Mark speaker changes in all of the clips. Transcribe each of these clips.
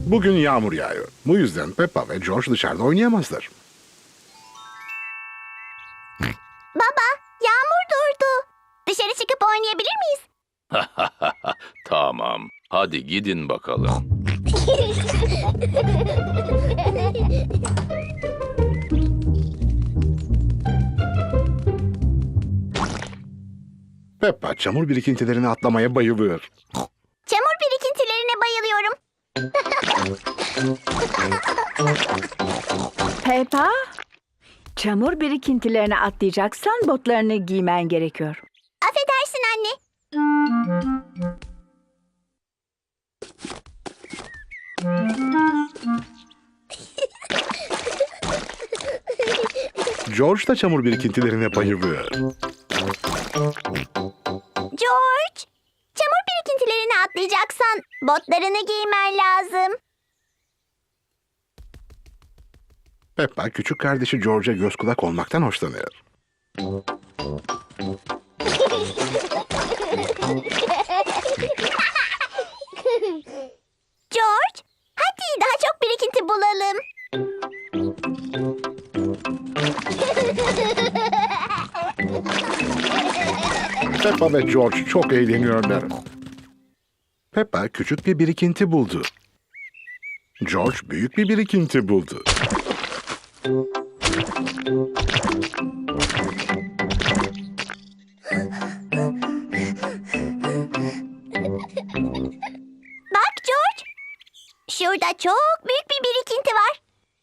Speaker 1: Bugün yağmur yağıyor. Bu yüzden Peppa ve George dışarıda oynayamazlar.
Speaker 2: Baba, yağmur durdu. Dışarı çıkıp oynayabilir miyiz?
Speaker 3: Tamam. Hadi gidin bakalım.
Speaker 1: Peppa çamur birikintilerini atlamaya bayılıyor.
Speaker 2: Çamur birikintilerine bayılıyorum.
Speaker 4: Peppa, çamur birikintilerine atlayacaksan botlarını giymen gerekiyor.
Speaker 2: Affedersin anne.
Speaker 1: George da çamur birikintilerine bayılıyor.
Speaker 2: George, çamur birikintilerine atlayacaksan botlarını giymen lazım.
Speaker 1: Peppa küçük kardeşi George'a göz kulak olmaktan hoşlanıyor.
Speaker 2: George, hadi daha çok birikinti bulalım.
Speaker 1: Peppa ve George çok eğleniyorlar. Peppa küçük bir birikinti buldu. George büyük bir birikinti buldu.
Speaker 2: Bak George, şurada çok büyük bir birikinti var.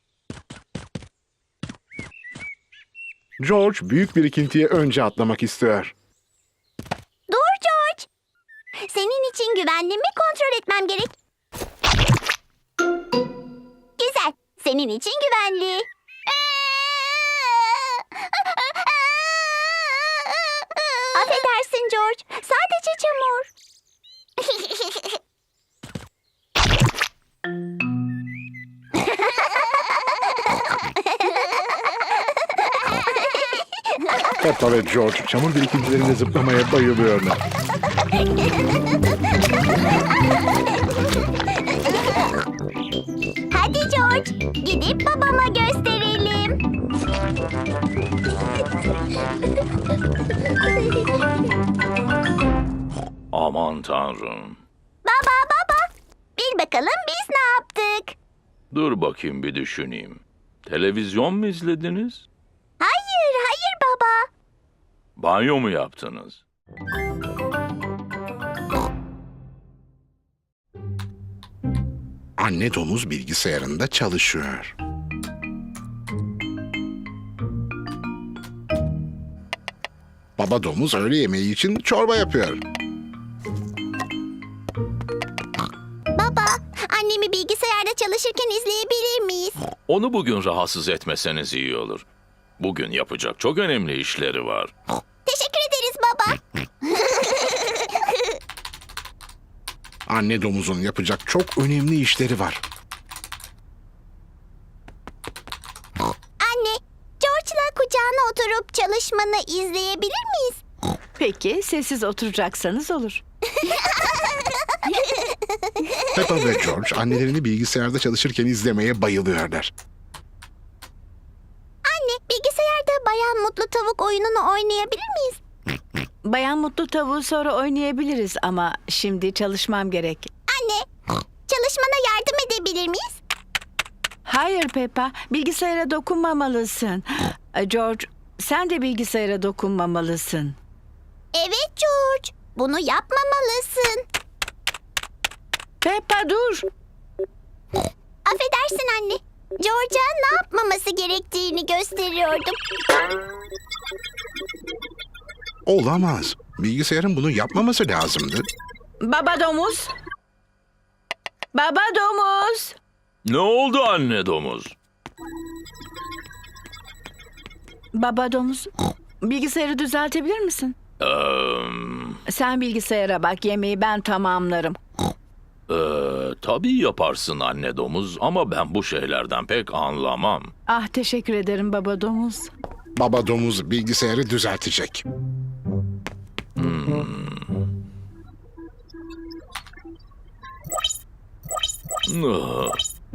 Speaker 1: George büyük birikintiye önce atlamak istiyor.
Speaker 2: Dur George. Senin için güvenliğimi kontrol etmem gerek. Güzel. Senin için güvenli. Affedersin George. Sadece çamur.
Speaker 1: Peppa ve George çamur birikintilerine zıplamaya bayılıyorlar.
Speaker 2: Hadi George. Gidip babama gösterelim.
Speaker 3: Aman tanrım.
Speaker 2: Baba. Bil bakalım biz ne yaptık?
Speaker 3: Dur bakayım bir düşüneyim. Televizyon mu izlediniz?
Speaker 2: Hayır baba.
Speaker 3: Banyo mu yaptınız?
Speaker 1: Anne domuz bilgisayarında çalışıyor. Baba domuz öğle yemeği için çorba yapıyor.
Speaker 2: Baba, annemi bilgisayarda çalışırken izleyebilir miyiz?
Speaker 3: Onu bugün rahatsız etmeseniz iyi olur. Bugün yapacak çok önemli işleri var.
Speaker 2: Teşekkür ederiz baba.
Speaker 1: Anne domuzun yapacak çok önemli işleri var.
Speaker 2: Anne, George'la kucağına oturup çalışmanı izleyebilir miyiz?
Speaker 4: Peki, sessiz oturacaksanız olur.
Speaker 1: Peppa ve George annelerini bilgisayarda çalışırken izlemeye bayılıyorlar.
Speaker 2: Anne, bilgisayarda Bayan Mutlu Tavuk oyununu oynayabilir miyiz?
Speaker 4: Bayan Mutlu Tavuğu sonra oynayabiliriz ama şimdi çalışmam gerek.
Speaker 2: Anne, çalışmana yardım edebilir miyiz?
Speaker 4: Hayır Peppa, bilgisayara dokunmamalısın. George, sen de bilgisayara dokunmamalısın.
Speaker 2: Evet George, bunu yapmamalısın.
Speaker 4: Peppa dur.
Speaker 2: Affedersin anne. George'a ne yapmaması gerektiğini gösteriyordum.
Speaker 1: Olamaz. Bilgisayarın bunu yapmaması lazımdı.
Speaker 4: Baba domuz. Baba domuz.
Speaker 3: Ne oldu anne domuz?
Speaker 4: Baba domuz. Bilgisayarı düzeltebilir misin? Sen bilgisayara bak, yemeği ben tamamlarım.
Speaker 3: Tabii yaparsın anne domuz ama ben bu şeylerden pek anlamam.
Speaker 4: Ah, teşekkür ederim baba domuz.
Speaker 1: Baba domuz bilgisayarı düzeltecek.
Speaker 3: Ah.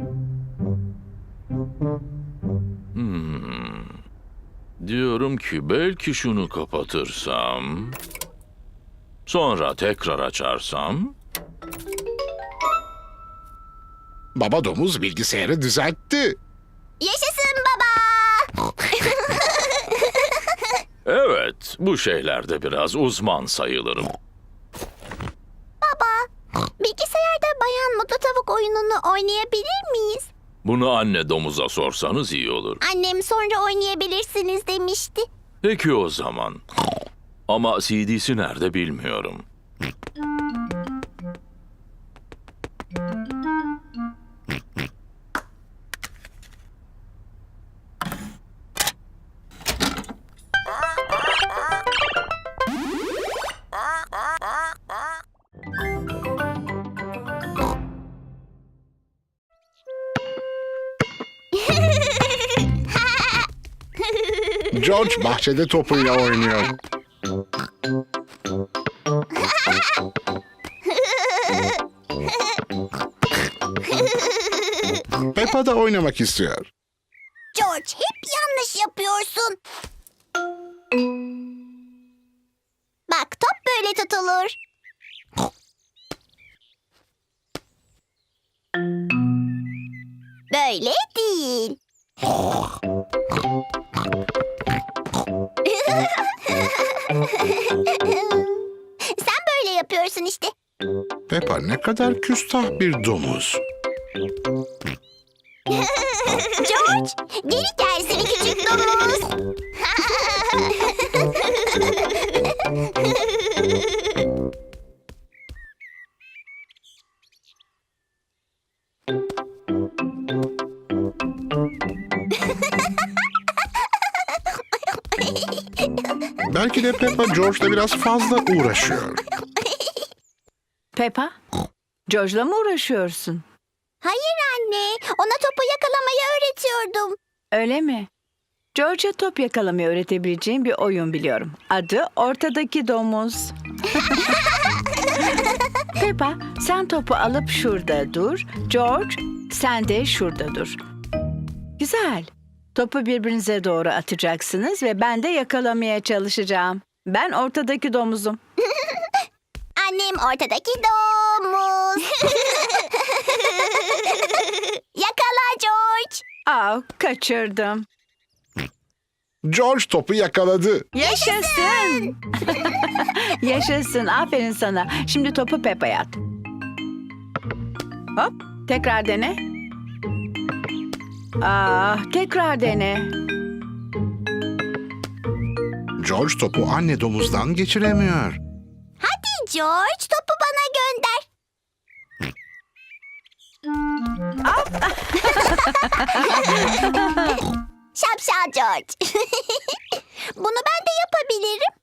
Speaker 3: Hmm. Diyorum ki belki şunu kapatırsam, sonra tekrar açarsam.
Speaker 1: Baba domuz bilgisayarı düzeltti.
Speaker 2: Yaşasın baba.
Speaker 3: Evet, bu şeylerde biraz uzman sayılırım.
Speaker 2: Bilgisayarda Bayan Mutlu Tavuk oyununu oynayabilir miyiz?
Speaker 3: Bunu anne domuza sorsanız iyi olur.
Speaker 2: Annem sonra oynayabilirsiniz demişti.
Speaker 3: Peki o zaman. Ama CD'si nerede bilmiyorum.
Speaker 1: George bahçede topuyla oynuyor. Peppa da oynamak istiyor.
Speaker 2: George, hep yanlış yapıyorsun. Bak, top böyle tutulur. Böyle değil. Sen böyle yapıyorsun işte.
Speaker 1: Peppa ne kadar küstah bir domuz.
Speaker 2: George, geri gel seni küçük domuz.
Speaker 1: Belki de Peppa George'la biraz fazla uğraşıyor.
Speaker 4: Peppa, George'la mı uğraşıyorsun?
Speaker 2: Hayır anne, ona topu yakalamayı öğretiyordum.
Speaker 4: Öyle mi? George'a top yakalamayı öğretebileceğim bir oyun biliyorum. Adı Ortadaki Domuz. Peppa, sen topu alıp şurada dur. George, sen de şurada dur. Güzel. Topu birbirinize doğru atacaksınız ve ben de yakalamaya çalışacağım. Ben ortadaki domuzum.
Speaker 2: Annem ortadaki domuz. Yakala George.
Speaker 4: Kaçırdım.
Speaker 1: George topu yakaladı.
Speaker 4: Yaşasın. Yaşasın. Aferin sana. Şimdi topu Peppa'ya at. Hop. Tekrar dene. Tekrar dene.
Speaker 1: George topu anne domuzdan geçiremiyor.
Speaker 2: Hadi George, topu bana gönder. Şapşal George. Bunu ben de yapabilirim.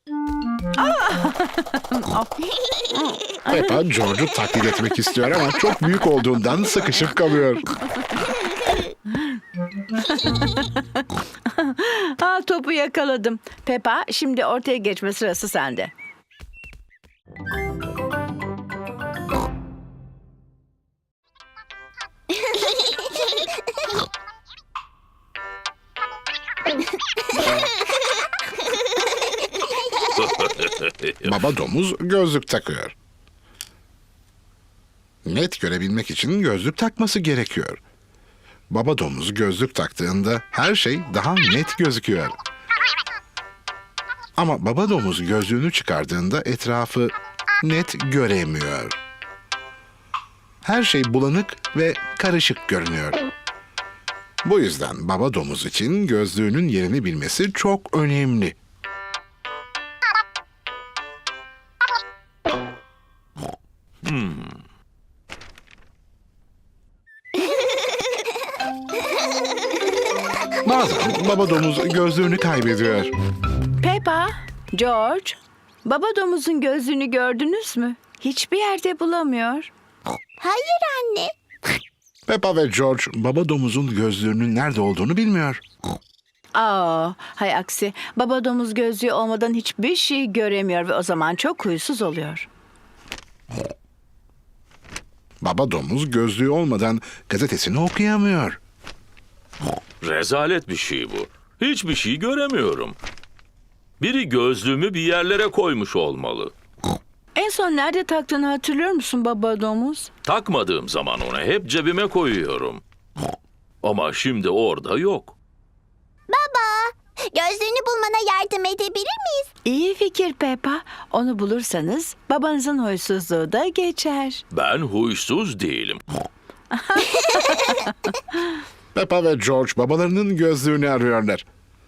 Speaker 1: Peppa George'u taklit etmek istiyor ama çok büyük olduğundan sıkışıp kalıyor.
Speaker 4: Topu yakaladım. Peppa, şimdi ortaya geçme sırası sende.
Speaker 1: Baba domuz gözlük takıyor. Net görebilmek için gözlük takması gerekiyor. Baba domuz gözlük taktığında her şey daha net gözüküyor. Ama baba domuz gözlüğünü çıkardığında etrafı net göremiyor. Her şey bulanık ve karışık görünüyor. Bu yüzden baba domuz için gözlüğünün yerini bilmesi çok önemli. Bazen baba domuz gözlüğünü kaybediyor.
Speaker 4: Peppa, George, baba domuzun gözlüğünü gördünüz mü? Hiçbir yerde bulamıyor.
Speaker 2: Hayır anne.
Speaker 1: Peppa ve George baba domuzun gözlüğünün nerede olduğunu bilmiyor.
Speaker 4: Hay aksi. Baba domuz gözlüğü olmadan hiçbir şey göremiyor ve o zaman çok huysuz oluyor.
Speaker 1: Baba domuz gözlüğü olmadan gazetesini okuyamıyor.
Speaker 3: Rezalet bir şey bu. Hiçbir şey göremiyorum. Biri gözlüğümü bir yerlere koymuş olmalı.
Speaker 4: En son nerede taktığını hatırlıyor musun baba domuz?
Speaker 3: Takmadığım zaman onu hep cebime koyuyorum. Ama şimdi orada yok.
Speaker 2: Baba, gözlüğünü bulmana yardım edebilir miyiz?
Speaker 4: İyi fikir Peppa. Onu bulursanız babanızın huysuzluğu da geçer.
Speaker 3: Ben huysuz değilim.
Speaker 1: Peppa ve George babalarının gözlüğünü arıyorlar.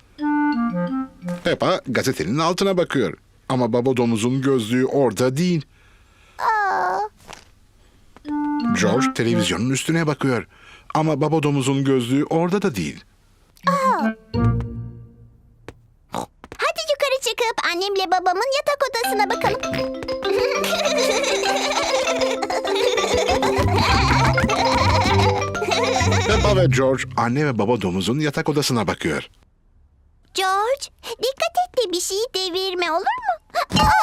Speaker 1: Peppa gazetenin altına bakıyor. Ama baba domuzun gözlüğü orada değil. George televizyonun üstüne bakıyor. Ama baba domuzun gözlüğü orada da değil.
Speaker 2: Hadi yukarı çıkıp annemle babamın yatak odasına bakalım.
Speaker 1: Peppa ve George anne ve baba domuzun yatak odasına bakıyor.
Speaker 2: George, dikkat et de bir şeyi devirme, olur mu?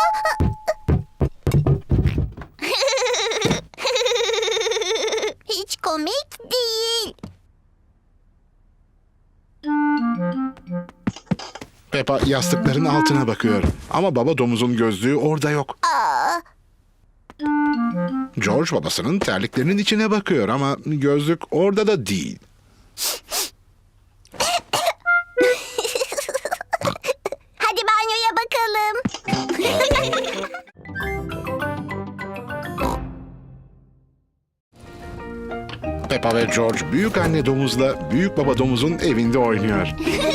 Speaker 2: Hiç komik değil.
Speaker 1: Peppa yastıkların altına bakıyor. Ama baba domuzun gözlüğü orada yok. George babasının terliklerinin içine bakıyor ama gözlük orada da değil.
Speaker 2: Hadi banyoya bakalım.
Speaker 1: Peppa ve George büyük anne domuzla büyük baba domuzun evinde oynuyor.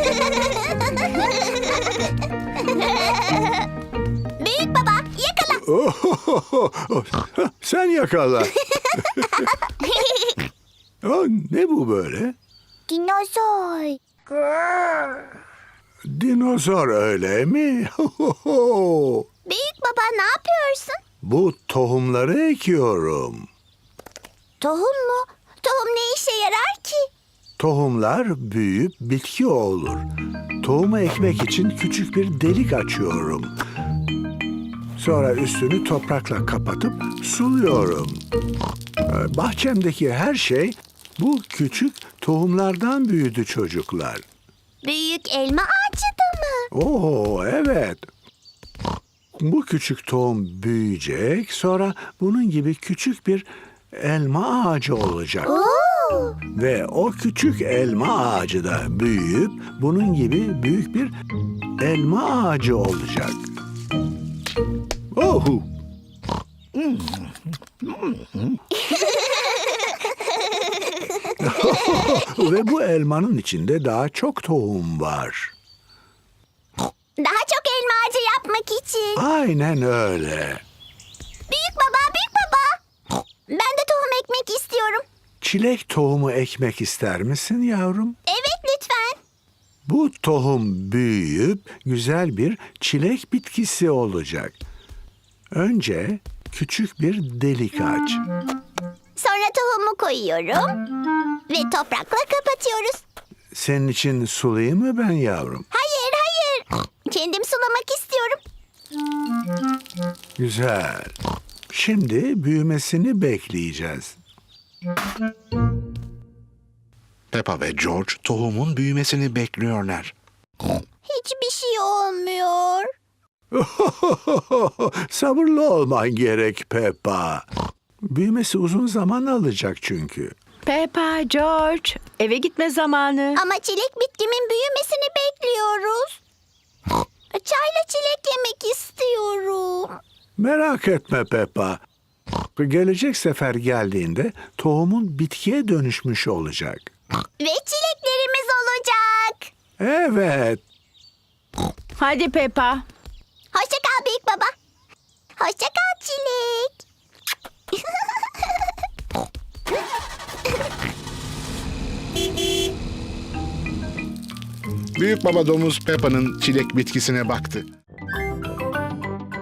Speaker 2: Büyük baba, yakala.
Speaker 5: Sen yakala. Ya, ne bu böyle?
Speaker 2: Dinozor.
Speaker 5: Dinozor öyle mi?
Speaker 2: Büyük baba, ne yapıyorsun?
Speaker 5: Bu tohumları ekiyorum.
Speaker 2: Tohum mu? Tohum ne işe yarar ki?
Speaker 5: Tohumlar büyüyüp bitki olur. Tohumu ekmek için küçük bir delik açıyorum. Sonra üstünü toprakla kapatıp suluyorum. Bahçemdeki her şey bu küçük tohumlardan büyüdü çocuklar.
Speaker 2: Büyük elma ağacı da mı?
Speaker 5: Oo, evet. Bu küçük tohum büyüyecek, sonra bunun gibi küçük bir elma ağacı olacak.
Speaker 2: Oo.
Speaker 5: Ve o küçük elma ağacı da büyüyüp bunun gibi büyük bir elma ağacı olacak. Ohu! Ve bu elmanın içinde daha çok tohum var.
Speaker 2: Daha çok elma ağacı yapmak için.
Speaker 5: Aynen öyle.
Speaker 2: Büyük baba, büyük baba. Ben de tohum ekmek istiyorum.
Speaker 5: Çilek tohumu ekmek ister misin yavrum?
Speaker 2: Evet, lütfen.
Speaker 5: Bu tohum büyüyüp güzel bir çilek bitkisi olacak. Önce küçük bir delik aç.
Speaker 2: Sonra tohumu koyuyorum ve toprakla kapatıyoruz.
Speaker 5: Senin için sulayayım mı ben yavrum?
Speaker 2: Hayır, hayır. Kendim sulamak istiyorum.
Speaker 5: Güzel. Şimdi büyümesini bekleyeceğiz.
Speaker 1: Peppa ve George tohumun büyümesini bekliyorlar.
Speaker 2: Hiçbir şey olmuyor.
Speaker 5: Sabırlı olman gerek Peppa. Büyümesi uzun zaman alacak çünkü.
Speaker 4: Peppa, George, eve gitme zamanı.
Speaker 2: Ama çilek bitkimin büyümesini bekliyoruz. Çayla çilek yemek istiyorum.
Speaker 5: Merak etme Peppa. Gelecek sefer geldiğinde tohumun bitkiye dönüşmüş olacak.
Speaker 2: Ve çileklerimiz olacak.
Speaker 5: Evet.
Speaker 4: Hadi Peppa.
Speaker 2: Hoşça kal büyük baba. Hoşça kal çilek.
Speaker 1: Büyük baba domuz Peppa'nın çilek bitkisine baktı.